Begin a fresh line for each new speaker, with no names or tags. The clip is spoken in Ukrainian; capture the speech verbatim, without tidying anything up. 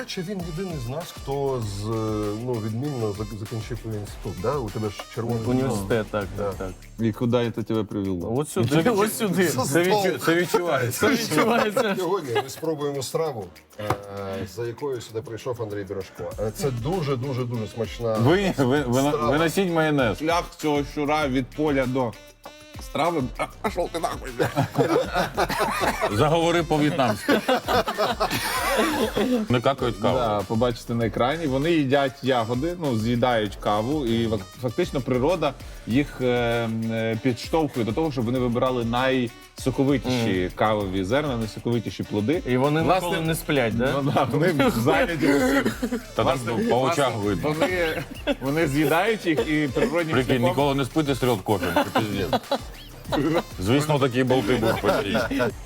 речі, він єдиний з нас, хто з, ну, відмінно зак- закінчив інститут. Да? У тебе ж червоний
Університет, так, так, так.
И куда это тебя привело?
От сюди, от сюди.
За
Це
стол.
відчу- це відчувається. Це відчувається.
Сьогодні ми спробуємо страву, е, за якою сюди прийшов Андрій Бірошко. Е, Це дуже-дуже-дуже смачна.
Ви, ви, ви,
Страва.
виносіть майонез. Шлях цього щура від поля до страви. А, пішов ти нахуй.
Заговори по-в'єтнамськи. Не какають каву.
Да, побачите на екрані. Вони їдять ягоди, ну, з'їдають каву, і фак- фактично природа їх е, е, підштовхує до того, щоб вони вибирали найсоковитіші кавові зерна, найсоковитіші плоди.
І вони
Власне,
ніколи не сплять, да?
Ну, да, вони зайняті усім.
Та там по очах видно.
Вони, вони з'їдають їх і природнім
Прикинь,
шляхом
ніколи не спити з трьох кофе. Це пиздец. Звісно, такі болти будуть постійно.